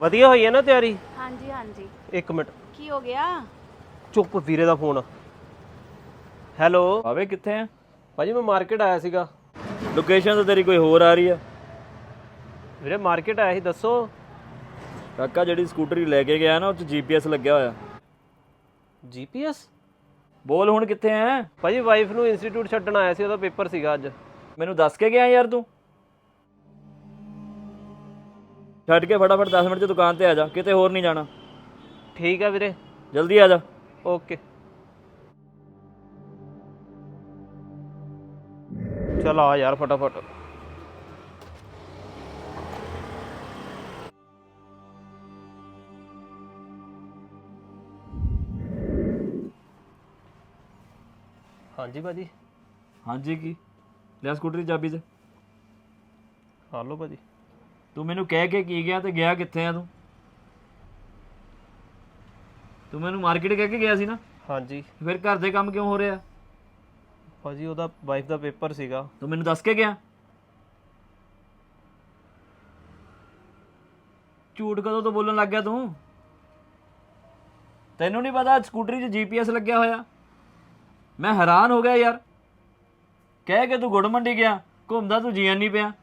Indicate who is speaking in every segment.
Speaker 1: ਵਧੀਆ ਹੋਈ ਹੈ ਨਾ ਤਿਆਰੀ?
Speaker 2: ਹਾਂਜੀ ਹਾਂਜੀ।
Speaker 1: ਇੱਕ ਮਿੰਟ
Speaker 2: ਕੀ ਹੋ ਗਿਆ?
Speaker 1: ਚੁੱਪ, ਵੀਰੇ ਦਾ ਫੋਨ। ਹੈਲੋ
Speaker 3: ਭਾਵੇਂ ਕਿੱਥੇ ਆ?
Speaker 1: ਭਾਜੀ ਮੈਂ ਮਾਰਕੀਟ ਆਇਆ ਸੀਗਾ।
Speaker 3: ਲੋਕੇਸ਼ਨ ਤਾਂ ਤੇਰੀ ਕੋਈ ਹੋਰ ਆ ਰਹੀ ਆ।
Speaker 1: ਵੀਰੇ ਮਾਰਕੀਟ ਆਇਆ ਸੀ, ਦੱਸੋ।
Speaker 3: ਕਾਕਾ ਜਿਹੜੀ ਸਕੂਟਰੀ ਲੈ ਕੇ ਗਿਆ ਨਾ ਉਹ 'ਚ GPS ਲੱਗਿਆ ਹੋਇਆ।
Speaker 1: GPS?
Speaker 3: ਬੋਲ ਹੁਣ ਕਿੱਥੇ ਆ?
Speaker 1: ਭਾਜੀ ਵਾਈਫ ਨੂੰ ਇੰਸਟੀਚਿਊਟ ਛੱਡਣ ਆਇਆ ਸੀ, ਉਹਦਾ ਪੇਪਰ ਸੀਗਾ ਅੱਜ।
Speaker 3: ਮੈਨੂੰ ਦੱਸ ਕੇ ਗਿਆ ਯਾਰ ਤੂੰ। ਛੱਡ ਕੇ ਫਟਾਫਟ 10 ਮਿੰਟ 'ਚ ਦੁਕਾਨ ਤੇ ਆ ਜਾ, ਕਿਤੇ ਹੋਰ ਨਹੀਂ ਜਾਣਾ।
Speaker 1: ਠੀਕ ਹੈ ਵੀਰੇ,
Speaker 3: ਜਲਦੀ ਆ ਜਾ।
Speaker 1: ਓਕੇ। ਚਲ ਆ ਯਾਰ ਫਟਾਫਟ। ਹਾਂਜੀ ਭਾਜੀ।
Speaker 3: ਹਾਂਜੀ ਕੀ ਲੈ ਸਕੂਟਰੀ ਚਾਬੀ ਤੇ।
Speaker 1: ਹਾਂ ਲਓ ਭਾਜੀ।
Speaker 3: ਤੂੰ ਮੈਨੂੰ ਕਹਿ ਕੇ ਕੀ ਗਿਆ ਤੇ ਗਿਆ ਕਿੱਥੇ ਆ ਤੂੰ? ਤੂੰ ਮੈਨੂੰ ਮਾਰਕੀਟ ਕਹਿ ਕੇ ਗਿਆ ਸੀ ਨਾ?
Speaker 1: ਹਾਂਜੀ
Speaker 3: ਫਿਰ ਘਰ ਦੇ ਕੰਮ ਕਿਉਂ ਹੋ ਰਿਹਾ?
Speaker 1: ਭਾਜੀ ਉਹਦਾ ਵਾਈਫ ਦਾ ਪੇਪਰ ਸੀਗਾ।
Speaker 3: ਤੂੰ ਮੈਨੂੰ ਦੱਸ ਕੇ ਗਿਆ? ਝੂਠ ਕਦੋਂ ਤੋਂ ਬੋਲਣ ਲੱਗ ਗਿਆ ਤੂੰ? ਤੈਨੂੰ ਨਹੀਂ ਪਤਾ ਸਕੂਟਰੀ 'ਚ GPS ਲੱਗਿਆ ਹੋਇਆ? ਮੈਂ ਹੈਰਾਨ ਹੋ ਗਿਆ ਯਾਰ। ਕਹਿ ਕੇ ਤੂੰ ਗੁੜ ਮੰਡੀ ਗਿਆ, ਘੁੰਮਦਾ ਤੂੰ ਜੀਣ ਨਹੀਂ ਪਿਆ।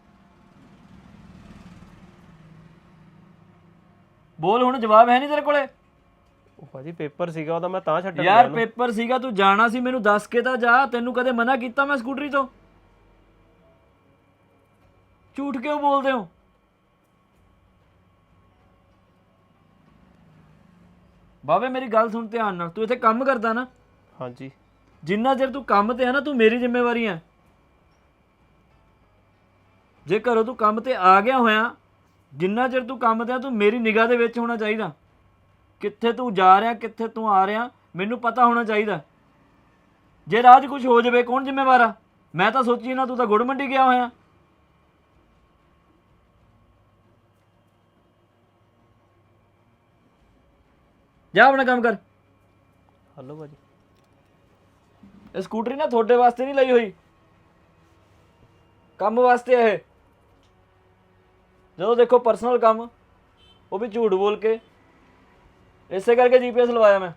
Speaker 3: ਬੋਲ ਹੁਣ, ਜਵਾਬ ਹੈ ਨਹੀਂ ਤੇਰੇ ਕੋਲੇ?
Speaker 1: ਉਹ ਭਾਜੀ ਪੇਪਰ ਸੀਗਾ ਉਹਦਾ, ਮੈਂ ਤਾਂ ਛੱਡਣ ਗਿਆ
Speaker 3: ਯਾਰ
Speaker 1: ਉਹਨੂੰ।
Speaker 3: ਪੇਪਰ ਸੀਗਾ, ਤੂੰ ਜਾਣਾ ਸੀ, ਮੈਨੂੰ ਦੱਸ ਕੇ ਤਾਂ ਜਾ। ਤੈਨੂੰ ਕਦੇ ਮਨਾ ਕੀਤਾ ਮੈਂ ਸਕੂਟਰੀ ਤੋਂ? ਝੂਠ ਕਿਉਂ ਬੋਲਦੇ ਹੋ? ਬਾਵੇ ਮੇਰੀ ਗੱਲ ਸੁਣ ਧਿਆਨ ਨਾਲ। ਤੂੰ ਇੱਥੇ ਕੰਮ ਕਰਦਾ ਨਾ?
Speaker 1: ਹਾਂਜੀ।
Speaker 3: ਜਿੰਨਾ ਚਿਰ ਤੂੰ ਕੰਮ ਤੇ ਆ ਨਾ, ਤੂੰ ਮੇਰੀ ਜ਼ਿੰਮੇਵਾਰੀ ਹੈ। ਜੇ ਘਰੋਂ ਤੂੰ ਕੰਮ ਤੇ ਆ ਗਿਆ ਹੋਇਆ, ਜਿੰਨਾ ਚਿਰ ਤੂੰ ਕੰਮ ਤੇ ਆ, ਤੂੰ ਮੇਰੀ ਨਿਗਾਹ ਦੇ ਵਿੱਚ ਹੋਣਾ ਚਾਹੀਦਾ। ਕਿੱਥੇ ਤੂੰ ਜਾ ਰਿਹਾ, ਕਿੱਥੇ ਤੂੰ ਆ ਰਿਹਾ, ਮੈਨੂੰ ਪਤਾ ਹੋਣਾ ਚਾਹੀਦਾ। ਜੇ ਰਾਹ 'ਚ ਕੁਝ ਹੋ ਜਾਵੇ ਕੌਣ ਜ਼ਿੰਮੇਵਾਰ ਆ? ਮੈਂ ਤਾਂ ਸੋਚੀ ਨਾ, ਤੂੰ ਤਾਂ ਗੁੜ ਮੰਡੀ ਗਿਆ ਹੋਇਆ। ਜਾ ਆਪਣਾ ਕੰਮ ਕਰ।
Speaker 1: ਹਲੋ ਭਾਜੀ।
Speaker 3: ਇਹ ਸਕੂਟਰੀ ਨਾ ਤੁਹਾਡੇ ਵਾਸਤੇ ਨਹੀਂ ਲਈ ਹੋਈ, ਕੰਮ ਵਾਸਤੇ ਇਹ। ਜਦੋਂ ਦੇਖੋ ਪਰਸਨਲ ਕੰਮ, ਉਹ ਵੀ ਝੂਠ ਬੋਲ ਕੇ। ਇਸੇ ਕਰਕੇ GPS ਲਵਾਇਆ ਮੈਂ।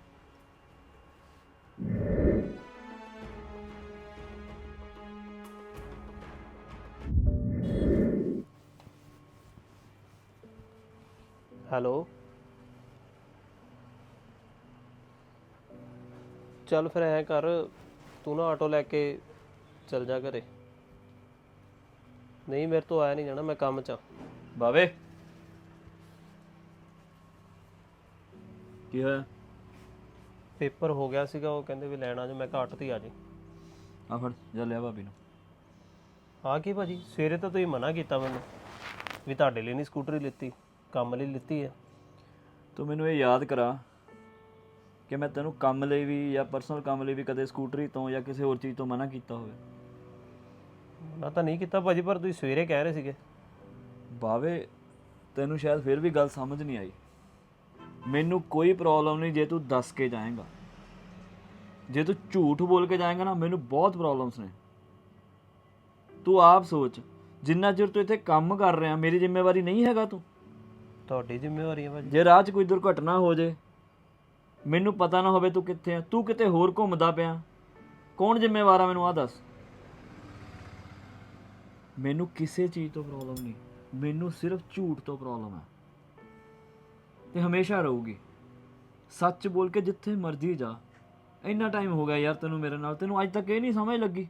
Speaker 1: ਹੈਲੋ ਚੱਲ ਫਿਰ ਐਂ ਕਰ, ਤੂੰ ਨਾ ਆਟੋ ਲੈ ਕੇ ਚੱਲ ਜਾ ਘਰੇ। ਨਹੀਂ ਮੇਰੇ ਤੋਂ ਆਇਆ ਨਹੀਂ ਜਾਣਾ, ਮੈਂ ਕੰਮ 'ਚ ਆ।
Speaker 3: ਬਾਵੇ ਕੀ ਹੋਇਆ?
Speaker 1: ਪੇਪਰ ਹੋ ਗਿਆ ਸੀਗਾ, ਉਹ ਕਹਿੰਦੇ ਵੀ ਲੈਣ ਆ ਜਾ। ਮੈਂ ਕਿਹਾ ਆਟੋ ਤੇ ਆ ਜੀ।
Speaker 3: ਆ ਫੜ ਜਾ, ਲਿਆ ਭਾਬੀ ਨੂੰ।
Speaker 1: ਹਾਂ ਕੀ ਭਾਜੀ, ਸਵੇਰੇ ਤਾਂ ਤੁਸੀਂ ਮਨਾ ਕੀਤਾ ਮੈਨੂੰ ਵੀ ਤੁਹਾਡੇ ਲਈ ਨਹੀਂ ਸਕੂਟਰੀ ਲਿੱਤੀ, ਕੰਮ ਲਈ ਲਿੱਤੀ ਹੈ।
Speaker 3: ਤੂੰ ਮੈਨੂੰ ਇਹ ਯਾਦ ਕਰਾ ਕਿ ਮੈਂ ਤੈਨੂੰ ਕੰਮ ਲਈ ਵੀ ਜਾਂ ਪਰਸਨਲ ਕੰਮ ਲਈ ਵੀ ਕਦੇ ਸਕੂਟਰੀ ਤੋਂ ਜਾਂ ਕਿਸੇ ਹੋਰ ਚੀਜ਼ ਤੋਂ ਮਨਾ ਕੀਤਾ ਹੋਵੇ?
Speaker 1: ਮਨਾ ਤਾਂ ਨਹੀਂ ਕੀਤਾ ਭਾਜੀ, ਪਰ ਤੁਸੀਂ ਸਵੇਰੇ ਕਹਿ ਰਹੇ ਸੀਗੇ।
Speaker 3: ਬਾਵੇ ਤੈਨੂੰ ਸ਼ਾਇਦ ਫਿਰ ਵੀ ਗੱਲ ਸਮਝ ਨਹੀਂ ਆਈ। ਮੈਨੂੰ ਕੋਈ ਪ੍ਰੋਬਲਮ ਨਹੀਂ ਜੇ ਤੂੰ ਦੱਸ ਕੇ ਜਾਏਂਗਾ। ਜੇ ਤੂੰ ਝੂਠ ਬੋਲ ਕੇ ਜਾਏਂਗਾ ਨਾ, ਮੈਨੂੰ ਬਹੁਤ ਪ੍ਰੋਬਲਮਸ ਨੇ। ਤੂੰ ਆਪ ਸੋਚ, ਜਿੰਨਾ ਚਿਰ ਤੂੰ ਇੱਥੇ ਕੰਮ ਕਰ ਰਿਹਾ, ਮੇਰੀ ਜ਼ਿੰਮੇਵਾਰੀ ਨਹੀਂ ਹੈਗਾ ਤੂੰ?
Speaker 1: ਤੁਹਾਡੀ ਜ਼ਿੰਮੇਵਾਰੀ ਹੈ ਭਾਜੀ।
Speaker 3: ਜੇ ਰਾਹ 'ਚ ਕੋਈ ਦੁਰਘਟਨਾ ਹੋ ਜੇ, ਮੈਨੂੰ ਪਤਾ ਨਾ ਹੋਵੇ ਤੂੰ ਕਿੱਥੇ ਆ, ਤੂੰ ਕਿਤੇ ਹੋਰ ਘੁੰਮਦਾ ਪਿਆ, ਕੌਣ ਜ਼ਿੰਮੇਵਾਰ ਆ? ਮੈਨੂੰ ਆਹ ਦੱਸ। ਮੈਨੂੰ ਕਿਸੇ ਚੀਜ਼ ਤੋਂ ਪ੍ਰੋਬਲਮ ਨਹੀਂ, ਮੈਨੂੰ ਸਿਰਫ ਝੂਠ ਤੋਂ ਪ੍ਰੋਬਲਮ ਹੈ, ਤੇ ਹਮੇਸ਼ਾ ਰਹੂਗੀ। ਸੱਚ ਬੋਲ ਕੇ ਜਿੱਥੇ ਮਰਜ਼ੀ ਜਾ। ਇੰਨਾ ਟਾਈਮ ਹੋ ਗਿਆ ਯਾਰ ਤੈਨੂੰ ਮੇਰੇ ਨਾਲ, ਤੈਨੂੰ ਅੱਜ ਤੱਕ ਇਹ ਨਹੀਂ ਸਮਝ ਲੱਗੀ?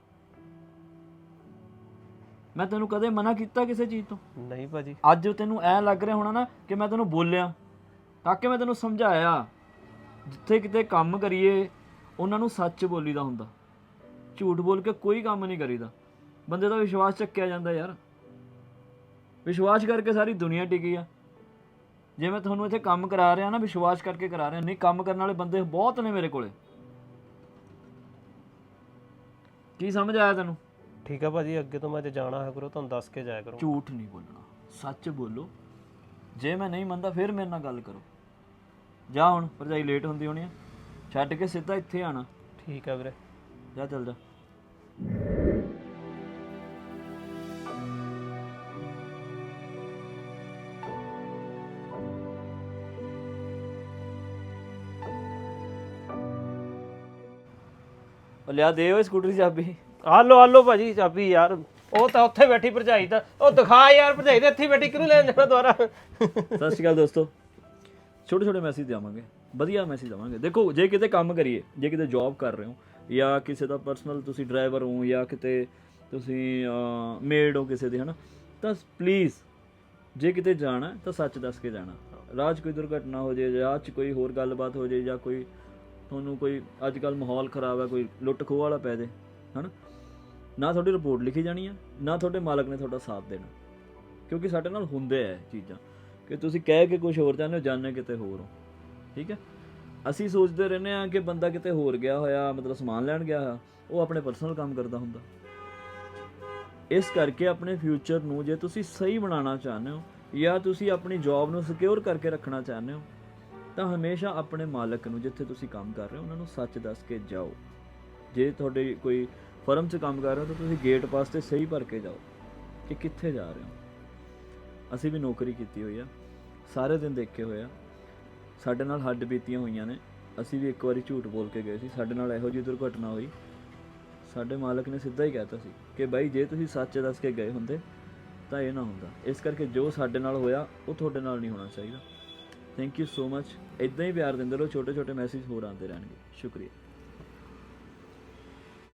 Speaker 3: ਮੈਂ ਤੈਨੂੰ ਕਦੇ ਮਨਾ ਕੀਤਾ ਕਿਸੇ ਚੀਜ਼ ਤੋਂ?
Speaker 1: ਨਹੀਂ ਭਾਜੀ।
Speaker 3: ਅੱਜ ਤੈਨੂੰ ਐ ਲੱਗ ਰਿਹਾ ਹੋਣਾ ਨਾ ਕਿ ਮੈਂ ਤੈਨੂੰ ਬੋਲਿਆ, ਤਾਂ ਕਿ ਮੈਂ ਤੈਨੂੰ ਸਮਝਾਇਆ ਜਿੱਥੇ ਕਿਤੇ ਕੰਮ ਕਰੀਏ ਉਹਨਾਂ ਨੂੰ ਸੱਚ ਬੋਲੀਦਾ ਹੁੰਦਾ। ਝੂਠ ਬੋਲ ਕੇ ਕੋਈ ਕੰਮ ਨਹੀਂ ਕਰੀਦਾ। ਬੰਦੇ ਦਾ ਵਿਸ਼ਵਾਸ ਚੱਕਿਆ ਜਾਂਦਾ ਯਾਰ। ਵਿਸ਼ਵਾਸ ਕਰਕੇ ਸਾਰੀ ਦੁਨੀਆ ਟਿਕੀ ਆ। ਜੇ ਮੈਂ ਤੁਹਾਨੂੰ ਇੱਥੇ ਕੰਮ ਕਰਾ ਰਿਹਾ ਨਾ, ਵਿਸ਼ਵਾਸ ਕਰਕੇ ਕਰਾ ਰਿਹਾ। ਨਹੀਂ, ਕੰਮ ਕਰਨ ਵਾਲੇ ਬੰਦੇ ਬਹੁਤ ਨੇ ਮੇਰੇ ਕੋਲੇ। ਕੀ ਸਮਝ ਆਇਆ ਤੈਨੂੰ?
Speaker 1: ਠੀਕ ਆ ਭਾਜੀ, ਅੱਗੇ ਤੋਂ ਮੈਂ ਜੇ ਜਾਣਾ ਹੈ ਕਰੋ ਤੁਹਾਨੂੰ ਦੱਸ ਕੇ ਜਾਇਆ ਕਰੋ।
Speaker 3: ਝੂਠ ਨਹੀਂ ਬੋਲਣਾ, ਸੱਚ ਬੋਲੋ। ਜੇ ਮੈਂ ਨਹੀਂ ਮੰਨਦਾ ਫਿਰ ਮੇਰੇ ਨਾਲ ਗੱਲ ਕਰੋ। ਜਾ ਹੁਣ, ਭਰਜਾਈ ਲੇਟ ਹੁੰਦੀ ਹੋਣੀ ਆ, ਛੱਡ ਕੇ ਸਿੱਧਾ ਇੱਥੇ ਆਣਾ।
Speaker 1: ਠੀਕ ਆ ਵੀਰੇ।
Speaker 3: ਜਾ ਚੱਲ ਜਾ। ਉਹ ਲਿਆ ਦੇ ਓਏ ਸਕੂਟਰ ਦੀ ਚਾਬੀ।
Speaker 1: ਆ ਲੋ ਭਾਜੀ ਚਾਬੀ ਯਾਰ, ਉਹ ਤਾਂ ਉੱਥੇ ਬੈਠੀ ਭਰਜਾਈ ਤਾਂ, ਉਹ ਦਿਖਾ ਯਾਰ ਭਰਜਾਈ ਦੇ ਇੱਥੇ ਬੈਠੀ ਕਿਹਨੂੰ ਲੈਣ ਜਾਣਾ ਦੁਬਾਰਾ।
Speaker 3: ਸਤਿ ਸ਼੍ਰੀ ਅਕਾਲ ਦੋਸਤੋ। ਛੋਟੇ ਛੋਟੇ ਮੈਸੇਜ ਦੇਵਾਂਗੇ, ਵਧੀਆ ਮੈਸੇਜ ਦੇਵਾਂਗੇ। ਦੇਖੋ ਜੇ ਕਿਤੇ ਕੰਮ ਕਰੀਏ, ਜੇ ਕਿਤੇ ਜੌਬ ਕਰ ਰਹੇ ਹੋ ਜਾਂ ਕਿਸੇ ਦਾ ਪਰਸਨਲ ਤੁਸੀਂ ਡਰਾਈਵਰ ਹੋ ਜਾਂ ਕਿਤੇ ਤੁਸੀਂ ਮੇਡ ਹੋ ਕਿਸੇ ਦੇ, ਹੈ ਨਾ, ਤਾਂ ਪਲੀਜ਼ ਜੇ ਕਿਤੇ ਜਾਣਾ ਤਾਂ ਸੱਚ ਦੱਸ ਕੇ ਜਾਣਾ। ਰਾਹ 'ਚ ਕੋਈ ਦੁਰਘਟਨਾ ਹੋ ਜਾਏ, ਰਾਹ 'ਚ ਕੋਈ ਹੋਰ ਗੱਲਬਾਤ ਹੋ ਜਾਏ, ਜਾਂ ਕੋਈ ਤੁਹਾਨੂੰ ਕੋਈ ਅੱਜ ਕੱਲ੍ਹ ਮਾਹੌਲ ਖ਼ਰਾਬ ਹੈ, ਕੋਈ ਲੁੱਟ ਖੋਹ ਵਾਲਾ ਪੈ ਜਾਏ, ਹੈ ਨਾ, ਨਾ ਤੁਹਾਡੀ ਰਿਪੋਰਟ ਲਿਖੀ ਜਾਣੀ ਹੈ, ਨਾ ਤੁਹਾਡੇ ਮਾਲਕ ਨੇ ਤੁਹਾਡਾ ਸਾਥ ਦੇਣਾ। ਕਿਉਂਕਿ ਸਾਡੇ ਨਾਲ ਹੁੰਦੇ ਹੈ ਚੀਜ਼ਾਂ ਕਿ ਤੁਸੀਂ ਕਹਿ ਕੇ ਕੁਝ ਹੋਰ ਚਾਹੁੰਦੇ ਹੋ, ਜਾਣੇ ਕਿਤੇ ਹੋਰ ਹੋ। ਠੀਕ ਹੈ, ਅਸੀਂ ਸੋਚਦੇ ਰਹਿੰਦੇ ਹਾਂ ਕਿ ਬੰਦਾ ਕਿਤੇ ਹੋਰ ਗਿਆ ਹੋਇਆ, ਮਤਲਬ ਸਮਾਨ ਲੈਣ ਗਿਆ ਹੋਇਆ, ਉਹ ਆਪਣੇ ਪਰਸਨਲ ਕੰਮ ਕਰਦਾ ਹੁੰਦਾ। ਇਸ ਕਰਕੇ ਆਪਣੇ ਫਿਊਚਰ ਨੂੰ ਜੇ ਤੁਸੀਂ ਸਹੀ ਬਣਾਉਣਾ ਚਾਹੁੰਦੇ ਹੋ ਜਾਂ ਤੁਸੀਂ ਆਪਣੀ ਜੌਬ ਨੂੰ ਸਿਕਿਉਰ ਕਰਕੇ ਰੱਖਣਾ ਚਾਹੁੰਦੇ ਹੋ, ਤਾਂ ਹਮੇਸ਼ਾ ਆਪਣੇ ਮਾਲਕ ਨੂੰ, ਜਿੱਥੇ ਤੁਸੀਂ ਕੰਮ ਕਰ ਰਹੇ ਹੋ, ਉਹਨਾਂ ਨੂੰ ਸੱਚ ਦੱਸ ਕੇ ਜਾਓ। ਜੇ ਤੁਹਾਡੇ ਕੋਈ ਫਰਮ 'ਚ ਕੰਮ ਕਰ ਰਹੇ ਹੋ ਤਾਂ ਤੁਸੀਂ ਗੇਟ ਪਾਸ 'ਤੇ ਸਹੀ ਭਰ ਕੇ ਜਾਓ ਕਿ ਕਿੱਥੇ ਜਾ ਰਹੇ ਹੋ। ਅਸੀਂ ਵੀ ਨੌਕਰੀ ਕੀਤੀ ਹੋਈ ਆ, ਸਾਰੇ ਦਿਨ ਦੇਖੇ ਹੋਏ ਆ, ਸਾਡੇ ਨਾਲ ਹੱਡ ਬੀਤੀਆਂ ਹੋਈਆਂ ਨੇ। ਅਸੀਂ ਵੀ ਇੱਕ ਵਾਰੀ ਝੂਠ ਬੋਲ ਕੇ ਗਏ ਸੀ, ਸਾਡੇ ਨਾਲ ਇਹੋ ਜਿਹੀ ਦੁਰਘਟਨਾ ਹੋਈ, ਸਾਡੇ ਮਾਲਕ ਨੇ ਸਿੱਧਾ ਹੀ ਕਹਿਤਾ ਸੀ ਕਿ ਬਾਈ ਜੇ ਤੁਸੀਂ ਸੱਚ ਦੱਸ ਕੇ ਗਏ ਹੁੰਦੇ ਤਾਂ ਇਹ ਨਾ ਹੁੰਦਾ। ਇਸ ਕਰਕੇ ਜੋ ਸਾਡੇ ਨਾਲ ਹੋਇਆ ਉਹ ਤੁਹਾਡੇ ਨਾਲ ਨਹੀਂ ਹੋਣਾ ਚਾਹੀਦਾ। Thank you so much. ਇੱਦਾਂ ਹੀ ਪਿਆਰ ਦਿੰਦੇ ਰਹੋ, ਛੋਟੇ ਛੋਟੇ ਮੈਸੇਜ ਹੋਰ ਆਉਂਦੇ ਰਹਿਣਗੇ। ਸ਼ੁਕਰੀਆ।